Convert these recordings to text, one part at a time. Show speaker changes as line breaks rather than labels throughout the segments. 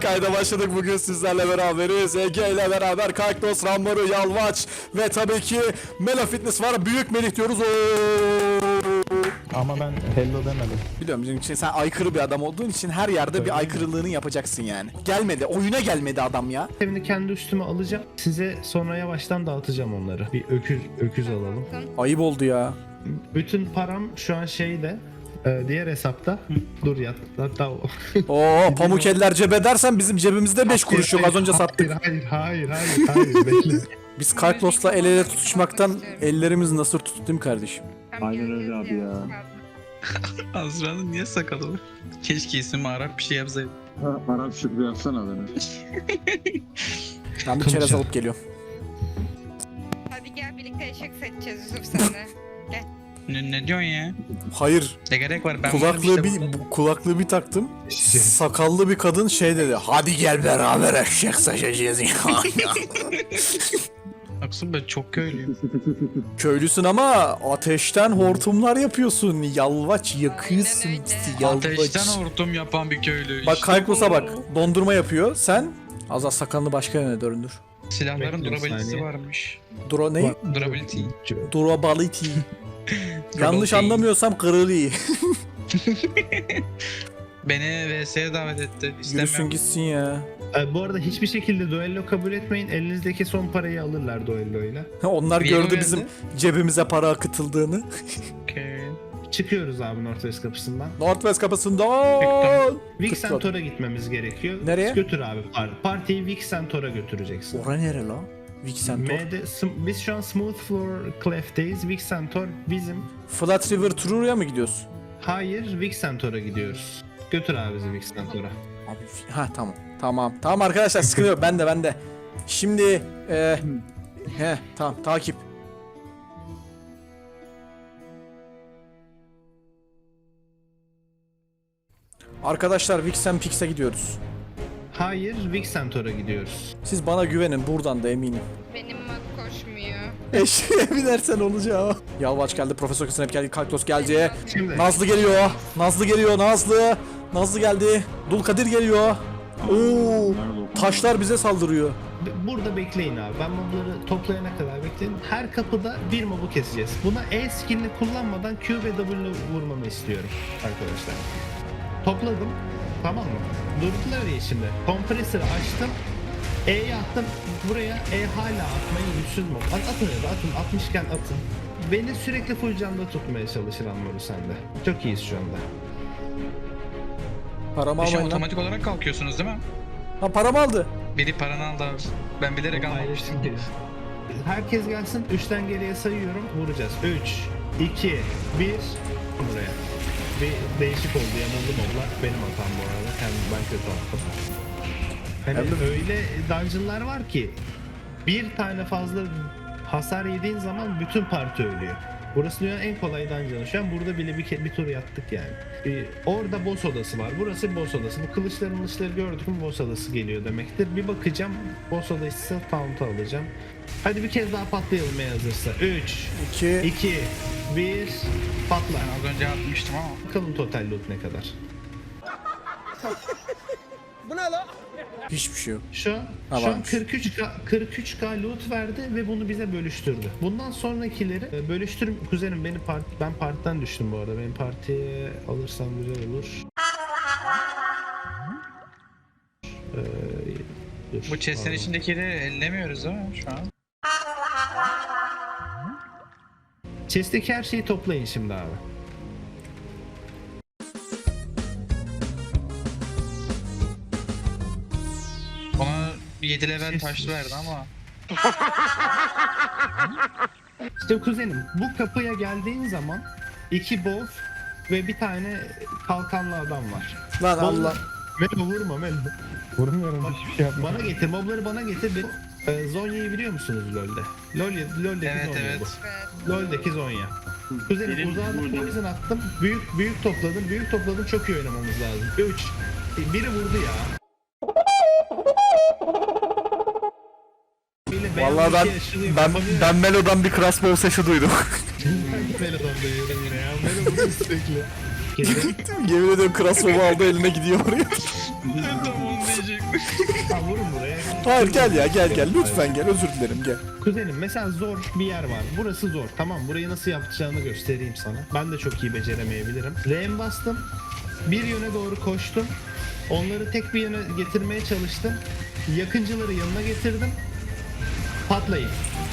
kayda başladık. Bugün sizlerle beraberiz. Ege ile beraber Kaktos, Ramboru, Yalvaç ve tabii ki Melo Fitness var. Büyük Melih diyoruz.
Ama ben hello demedim.
Biliyorum bizim için sen aykırı bir adam olduğun için her yerde bir aykırılığını yapacaksın yani. Gelmedi, oyuna gelmedi adam ya.
Evini kendi üstüme alacağım. Size sonra yavaştan dağıtacağım onları. Bir öküz alalım.
Ayıp oldu ya.
Bütün param şu an şeyde. Diğer hesapta. Dur ya. Hatta
Oo, pamuk eller cebe dersen bizim cebimizde 5 kuruş yok. Az önce sattık.
Hayır. Bekle.
Biz Kalklos'la el ele tutuşmaktan ellerimiz nasıl tuttu değil mi kardeşim?
Aynen öyle abi ya.
Azra'nın niye sakalı var? Keşke ismi Arap bir şey yapsaydı.
Arap şükrü yapsana beni.
Ben bir çerez alıp geliyorum.
Hadi gel birlikte eşek seçeceğiz Yusuf senle.
Ne diyorsun ya?
Hayır.
Ne gerek var? Ben
Kulaklığı bir taktım. Sakallı bir kadın şey dedi. Hadi gel beraber eşek seçeceğiz.
Aksun ben çok köylüyüm.
Köylüsün ama ateşten hortumlar yapıyorsun. Yalvaç yakıyorsun
Aynen öyle.
bizi yalvaç.
Ateşten hortum yapan bir köylü.
Bak
İşte
Kalklos'a bak. Dondurma yapıyor. Sen az sakalını başka yöne döndür.
silahların
Bekle bir
durability'si
saniye.
varmış.
Ne?
Durability.
Durability. Yanlış anlamıyorsam kırılı.
Beni VS'ye davet etti.
Yürüsün
İstemiyorum.
gitsin ya.
Bu arada hiçbir şekilde duello kabul etmeyin. Elinizdeki son parayı alırlar duelloyla.
Onlar
Bir
gördü
yıl
bizim
geldi.
cebimize para akıtıldığını.
Okay.
Çıkıyoruz abi Northwest kapısından.
Northwest kapısından.
Vixentor'a gitmemiz gerekiyor.
Nereye?
Götür abi. Partiyi Vixentor'a götüreceksin.
Ora nere lan? Vixentor.
Biz şu an Smooth Floor Clef'teyiz. Vixentor bizim.
Flat River Truru'ya mı gidiyorsun?
Hayır, Vixentor'a gidiyoruz. Götür abi bizi Vixentor'a.
Abi ha tamam. Tamam arkadaşlar sıkıntı yok. Ben de. Şimdi tamam takip. Arkadaşlar Vixen Pix'e gidiyoruz.
Hayır, Vixentor'a gidiyoruz.
Siz bana güvenin buradan da eminim.
Benim mat koşmuyor.
Eşeğe binersen olacak. Yalvaç geldi, Profesör Snap geldi, Kalktos geldi.
Şimdi
Nazlı geliyor. Nazlı geldi. Dulkadir geliyor. Oo, taşlar bize saldırıyor.
burada bekleyin abi. Ben mobları toplayana kadar bekleyin. Her kapıda bir mobu keseceğiz. Buna E skillini kullanmadan Q ve W vurmamı istiyorum arkadaşlar. Topladım. Tamam mı? Durdular ya şimdi. Kompresörü açtım. E'yi attım. Buraya E hala atmayı güçsüz mob. Atın ya da atın. Atmışken atın. Beni sürekli full canlı tutmaya çalışır Anmaru sende. Çok iyiyiz şu anda.
Paramı
Şu
almayın lan.
otomatik olarak kalkıyorsunuz değil mi?
Ha paramı aldı.
Biri paranı aldı abi. Ben bilerek almamıştım.
Herkes gelsin. 3'ten geriye sayıyorum. Vuracağız. 3, 2, 1. Buraya. Bir değişik oldu. Yanıldı moblar. Benim hatam bu arada. Ben kötü attım. Hani öyle dungeonlar var ki bir tane fazla hasar yediğin zaman bütün parti ölüyor. Burası dünyanın en kolay dungeon'ı. Şu an burada bile bir tur yattık yani. Orada boss odası var. Burası boss odası. Bu kılıçları gördük mü boss odası geliyor demektir. Bir bakacağım. Boss odası taunt'u alacağım. Hadi bir kez daha patlayalım eğer hazırsa. 3, 2, 1, patla.
Ben az önce atmıştım ama.
Bakalım total loot ne kadar.
Hiçbir şey yok.
Şu an
varmış.
43k loot verdi ve bunu bize bölüştürdü. Bundan sonrakileri kuzenim ben partiden düştüm bu arada. Benim partiye alırsam güzel olur. Dur,
Bu chest'in
pardon.
içindekileri ellemiyoruz değil mi şu an?
Chest'teki her şeyi toplayın şimdi abi.
Bana 7 level taş verdi ama.
İşte kuzenim bu kapıya geldiğin zaman 2 bow ve bir tane kalkanlı adam var.
Lan Allah.
Melo vurma Melo. Vurmuyorum hiçbir şey yapma. Bana getir, mobları bana getir. Zonya'yı biliyor musunuz LoL'de? LoL'deki
Evet
Zonya
evet.
bu. LoL'deki Zonya. Kuzenim uzağa poison attım. Büyük topladım. Çok iyi oynamamız lazım. 3. Biri vurdu ya.
Vallahi ben Melo'dan bir crossbow sesi duydum.
Melo'dan duyuyorum yine ya. Melo vurdu sürekli.
Yemin ediyorum crossbow aldı eline gidiyor oraya.
Tam onu gelecek.
Ha, vurun buraya.
Hayır gel ya gel lütfen gel, özür dilerim gel.
Kuzenim mesela zor bir yer var. Burası zor. Tamam, burayı nasıl yapacağını göstereyim sana. Ben de çok iyi beceremeyebilirim. R'ye bastım. Bir yöne doğru koştum. Onları tek bir yöne getirmeye çalıştım. Yakıncıları yanına getirdim. Patlayın.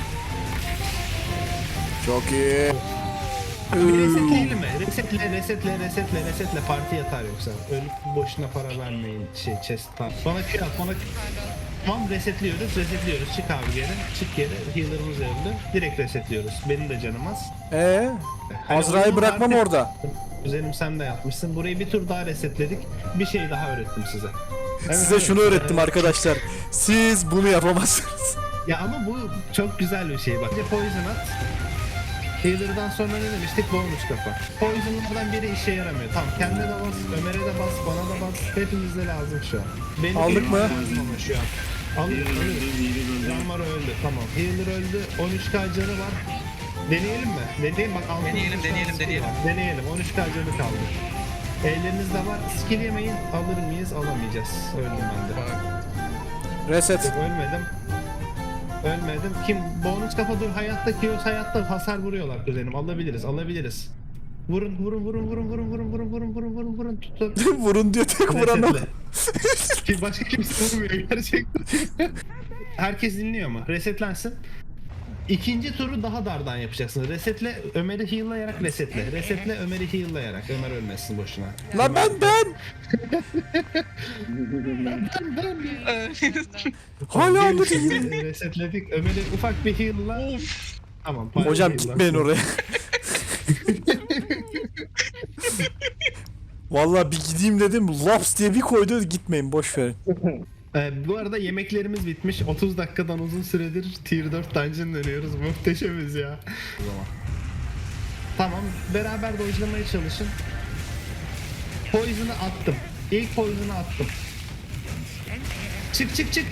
Çok iyi.
Bir resetleyelim mi? Resetle parti yatar yoksa. Ölüp boşuna para vermeyin chest. Bana Q at, Tamam, resetliyoruz. Çık abi geri. Çık geri. Healer'ımız öldü. Direkt resetliyoruz. Benim de canım az.
Azra'yı
Hani
bırakmam
artık-
orada.
Üzerim sen de yapmışsın. Burayı bir tur daha resetledik. Bir şey daha öğrettim size. Evet,
Size
evet.
şunu öğrettim
Evet.
arkadaşlar. Siz bunu yapamazsınız.
Ya ama bu çok güzel bir şey bak. Bir de poison at. Healer'dan sonra ne demiştik? Bonus kafa. Poison'lardan biri işe yaramıyor. Tamam, kendine de bas, Ömer'e de bas, bana da bas. Hepimize lazım şu an. Benim
Aldık mı?
lazım ama şu an. Alıyoruz. Yanmar öldü. Tamam. Healer öldü. 13k canı var. Deneyelim mi? Deneyelim bak. Deneyelim. 13k canı kaldı. Ellerinizde var. Skill yemeyin. Alır mıyız? Alamayacağız. Öldüm ben de.
Reset.
Yok, ölmedim. Kim? Bonus kafa dur. Hayatta Kios hayatta hasar vuruyorlar kuzenim. Alabiliriz. Vurun. Tutun.
Vurun diyor, tek vuran o.
Resetle. Başka kimse vurmuyor gerçekten. Herkes dinliyor mu? Resetlensin. İkinci turu daha dardan yapacaksın. Resetle, Ömer'i heal'layarak resetle. Resetle, Ömer'i heal'layarak. Ömer ölmesin boşuna.
Lan ben. Hala anlatayım.
Resetledik. Ömer'i ufak bir heal'la. Tamam.
Hocam
heal'la.
gitmeyin oraya. Vallahi bir gideyim dedim, laps diye bir koydu, gitmeyin boş verin.
Bu arada yemeklerimiz bitmiş. 30 dakikadan uzun süredir Tier 4 dungeon dönüyoruz. Muhteşemiz ya. O zaman. Tamam, beraber dojlamaya çalışın. Poison'ı attım. İlk poison'ı attım. Çık.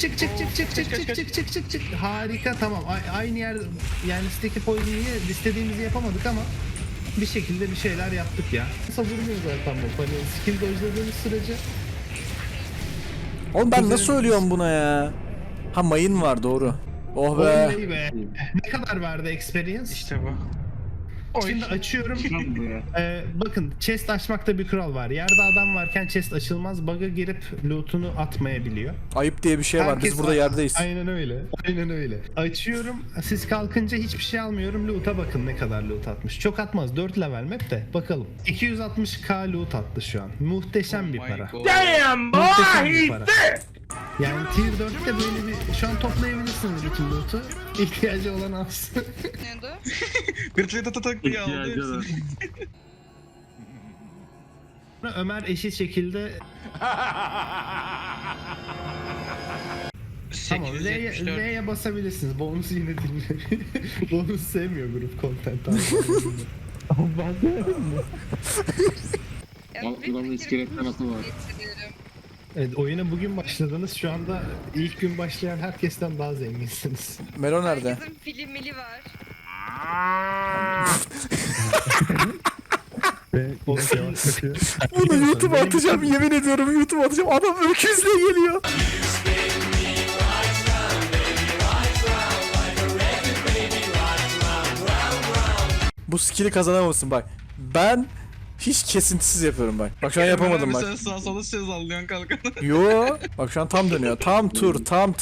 Harika, tamam. Aynı yer, yani listedeki poison'ı istediğimizi yapamadık ama bir şekilde bir şeyler yaptık ya. Savurmuyor zaten bu. Hani skill dojladığımız sürece.
Oğlum ben nasıl ölüyorum buna ya? Ha, mayın var, doğru. Oh be.
Oley be. Ne kadar verdi experience?
İşte bu.
Şimdi açıyorum. Bakın, chest açmakta bir kural var. Yerde adam varken chest açılmaz. Bug'a girip loot'unu atmayabiliyor.
Ayıp diye bir şey var. Biz
Herkes
burada yerdeyiz.
Aynen öyle. Açıyorum. Siz kalkınca hiçbir şey almıyorum. Loot'a bakın ne kadar loot atmış. Çok atmaz. 4 level map de. Bakalım. 260k loot attı şu an. Muhteşem bir para. Muhteşem bir para. Yani Tier 4'te böyle bir... Şu an toplayabilirsiniz bütün loot'u. İhtiyacı olan alsın.
Ne oldu?
Gırtlıya tak diye aldı
İhtiyacı var.
hepsini.
Ömer eşit şekilde... Tamam,
874.
L'ye basabilirsiniz. Bonusu yine dinliyor. Bonus sevmiyor grup content abi.
Ya,
Al,
bir
buranın
fikir
iskelet kanatı var.
getiriyorum.
Evet, oyuna bugün başladınız. Şu anda ilk gün başlayan herkesten daha zenginsiniz.
Melo nerede?
Herkesin filmili var.
Bunu YouTube'a atacağım, yemin ediyorum YouTube'a atacağım. Adam öküzle geliyor. Bu skill'i kazanamamışsın bak. Ben hiç kesintisiz yapıyorum bak. Bak şu an yapamadım bak.
Sen sağ sola söz alıyorsun kalkanı.
Yo, bak şu an tam dönüyor. Tam tur.
Tam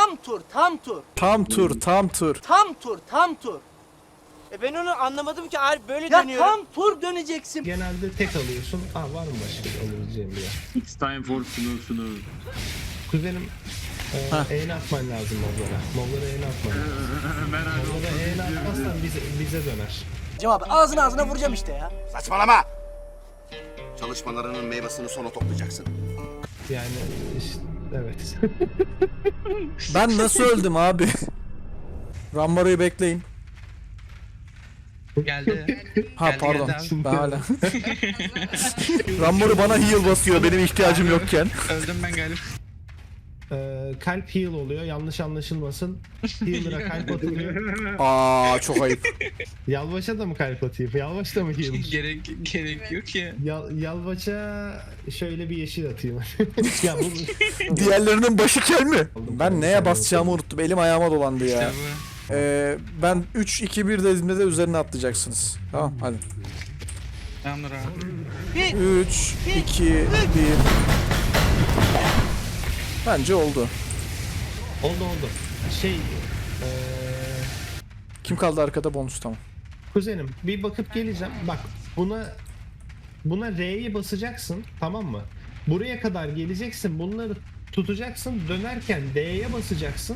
tur. Ben onu anlamadım ki, hayır böyle dönüyorum. Tam tur döneceksin.
Genelde tek alıyorsun. Var mı başka alabileceğim bir yer?
It's time for snow.
Kuzenim, eğne atman lazım moblara. Moblara eğne atman lazım. Moblara eğne atmazsan bize döner.
Cevap ağzına vuracağım işte ya.
Saçmalama! Çalışmalarının meyvesini sona toplayacaksın.
Yani işte, evet.
Ben nasıl öldüm abi? Rambaro'yu bekleyin.
Geldi.
Ha
Geldi,
pardon.
geldi
Ben hala. Rambaro bana heal basıyor benim ihtiyacım yokken.
Öldüm ben galiba.
kalp heal oluyor. Yanlış anlaşılmasın. Healer'a kalp atılıyor.
Aa çok ayıp.
Yalvaç'a da mı kalp atayım? Yalvaç da mı healer?
Gerek yok ya.
Yalvaç'a şöyle bir yeşil atayım. Ya bu
Diğerlerinin başı kel mi? Ben neye basacağımı unuttum. Elim ayağıma dolandı ya.
İşte bu.
Ben 3 2 1 dediğimde de üzerine atlayacaksınız. Tamam hadi.
Tamamdır abi.
3 2 1. Bence oldu.
oldu.
Kim kaldı arkada? Bonus tamam.
Kuzenim bir bakıp geleceğim. Bak buna R'ye basacaksın, tamam mı? Buraya kadar geleceksin. Bunları tutacaksın. Dönerken D'ye basacaksın.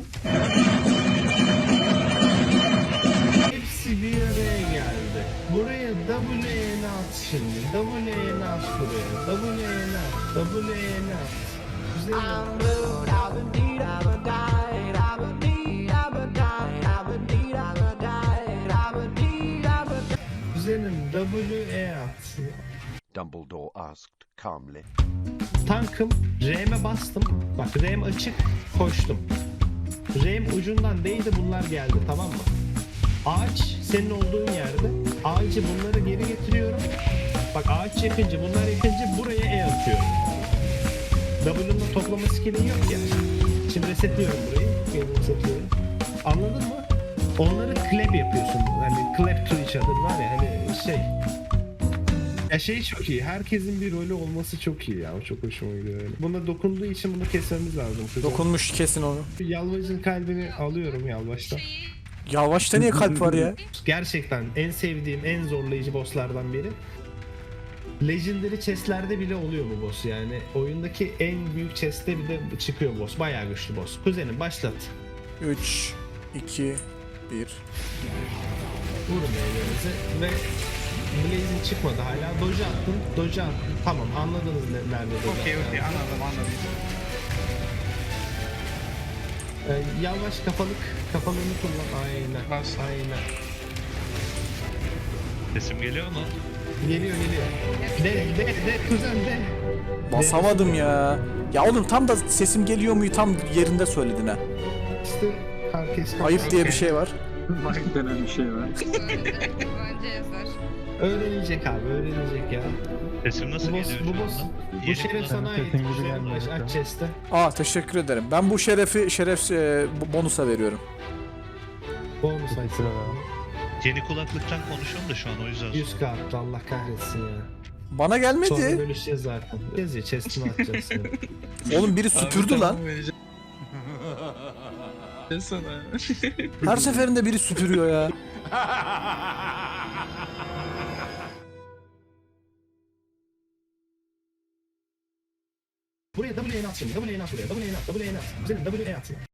Hepsi bir araya geldi. Buraya W'ye at şimdi. W'ye at buraya. W'ye at. Güzel. Güzelim W'ye at.
Dumbledore asked calmly.
Tankım, R'me bastım. Bak R'm açık, koştum. R'm ucundan değdi, bunlar geldi, tamam mı? Ağaç senin olduğun yerde. Ağacı bunları geri getiriyorum. Bak ağaç yakınca, bunlar yakınca buraya E atıyorum. W'nun toplama skill'i yok ya. Şimdi resetliyorum burayı. Geri resetliyorum. Anladın mı? Onları clap yapıyorsun. Hani clap to each other var ya, hani şey. Ya şey çok iyi. Herkesin bir rolü olması çok iyi ya. O çok hoşuma gidiyor. Yani. Buna dokunduğu için bunu kesmemiz lazım.
Dokunmuş kesin onu.
Yalvaç'ın kalbini alıyorum Yalvaç'tan.
Yavaşta niye kalp var ya?
Gerçekten en sevdiğim, en zorlayıcı bosslardan biri. Legendary chestlerde bile oluyor bu boss yani. Oyundaki en büyük chestte bir de çıkıyor boss. Bayağı güçlü boss. Kuzenim başlat.
3 2 1.
Vurun ellerinizi ve Blaze'in çıkmadı hala. Doge attın, Doge attın. Tamam anladınız nerede Doge
Okey
attığını.
anladım.
Yalvaç kafalığını kullan. Aynen.
Bas.
Aynen.
Sesim geliyor mu?
Geliyor. De kuzen de.
Basamadım ya. Ya oğlum tam da sesim geliyor muyu tam yerinde söyledin ha.
İşte herkes
Ayıp diye bir şey var.
Mike denen bir şey var.
Bence yazar.
öğrenecek abi, öğrenecek ya.
Sesim nasıl
Bu boss,
geliyor
bu
şu
boss,
anda?
bu
Yeni
şeref sana ait. Yalvaç aç chest'e.
Aa teşekkür ederim. Ben bu şeref bonusa veriyorum.
Bonus açsın.
Yeni kulaklıktan konuşuyorum da şu an o yüzden.
100k attı, Allah kahretsin ya.
Bana
Sonra
gelmedi.
bölüşeceğiz zaten. Gezi chest'ini atacağız seni.
Oğlum biri süpürdü lan.
Ben sana.
Her seferinde biri süpürüyor ya.
Buraya W'ye at şimdi. W'ye at buraya. W'ye at. W'ye at. Güzelim W'ye at.